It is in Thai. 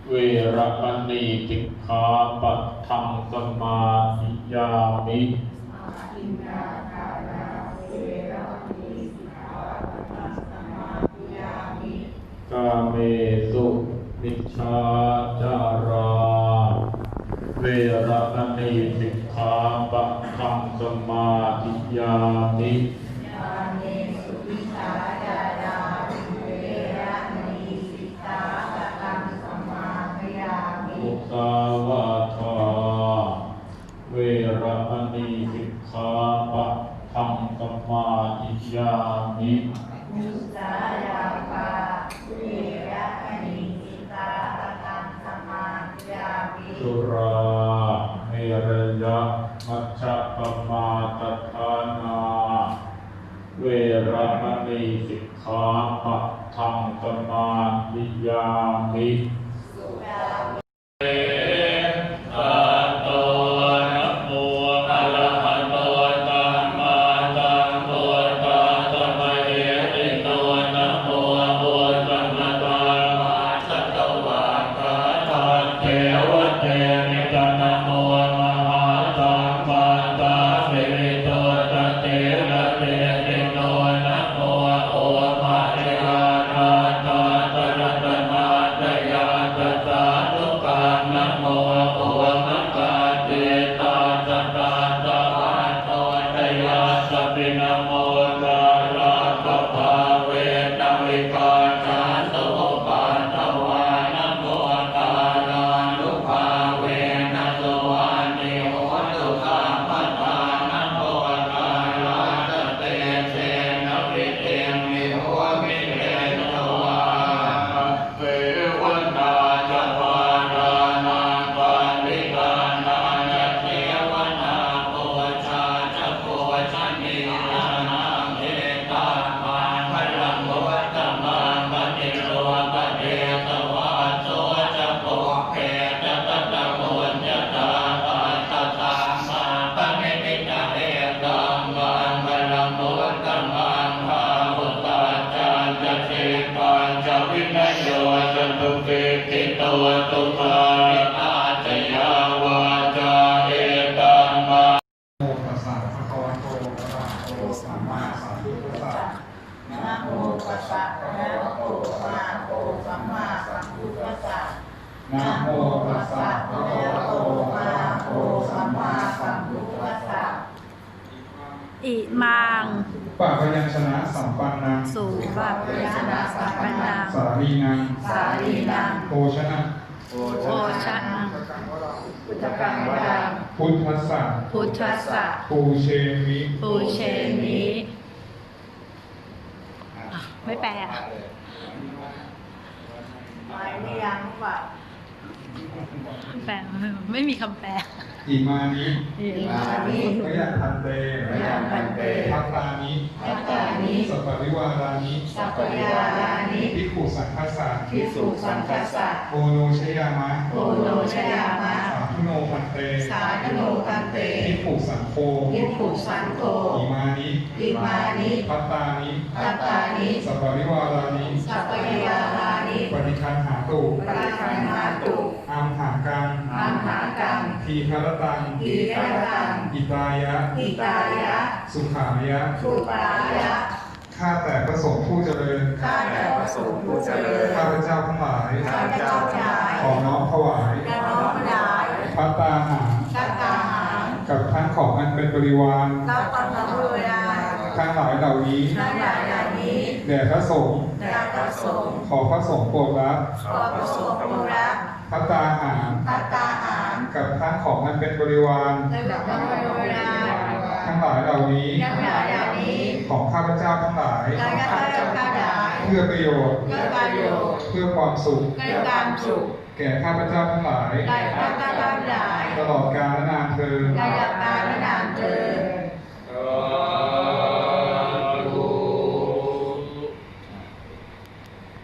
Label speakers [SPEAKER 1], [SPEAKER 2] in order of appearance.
[SPEAKER 1] เวระมณีสิกขาปะทังสมาธิยามิกาเมสุมิจฉาจาราเวระมณีสิกขาปะทังสมาธิยามิมุสาวาทาเวระมณีสิกขาปะทังสมาธิยามิ
[SPEAKER 2] มุสายาปาเวระมณีสิกขาปะทังสมาธิยามิ
[SPEAKER 1] สุราเมรยะมัชฌะปมาทฐานาเวระมณีสิกขาปะทังสมาธิยามิ
[SPEAKER 2] นะโมตัสสะภะคะวะโตอะระหะโตสัมมาสัมพุทธัสสะนะโมตัสสะภะคะวะโตอะระหะโตสัมมาสัมพุทธัสสะ
[SPEAKER 3] อิมัง
[SPEAKER 4] ปะพยัญชนะสัมปันนัง
[SPEAKER 3] สุปะพยัญชนะสัมปันนัง
[SPEAKER 4] สาลีนังโภชนะ
[SPEAKER 3] โภชนะ
[SPEAKER 2] พุทธกังวรัง
[SPEAKER 4] พุทธัสสะ
[SPEAKER 3] พุทธัสสะ
[SPEAKER 4] ปูเชมิ
[SPEAKER 3] ปูเชมิไม่แปล
[SPEAKER 2] หมายนิยังว่า
[SPEAKER 3] แปลไม่มีคำแปล
[SPEAKER 4] อิมานิ
[SPEAKER 2] พ
[SPEAKER 4] ยัญพันเตทัตตานิสัพพริวารานิภิกขุสังฆัสสะโอโนชยามะสาธุโนพันเตภิกขุสังโฆอิมานิทัตตานิสัพพริวารานิปฏิคันหาตุอัมหากังทีฆรตังอิตายะสุขายะข้าแต่พระสงฆ์ผู้เจริญข้าพเจ้าทั้งหลายขอน้อมถวายภัตตาหารกับทั้งของอันเป็นบริวารทั้งหลายเหล่านี้แด่พระสงฆ์ขอพระสงฆ์โปรดรับภัตตาหารกับทั้งของอันเป็นบริวารทั้งหลายเหล่านี้ของข้าพเจ้าทั้งหลายเพื่อประโยชน์เพื่อความสุขแก่ข้าพเจ้าทั้งหลาย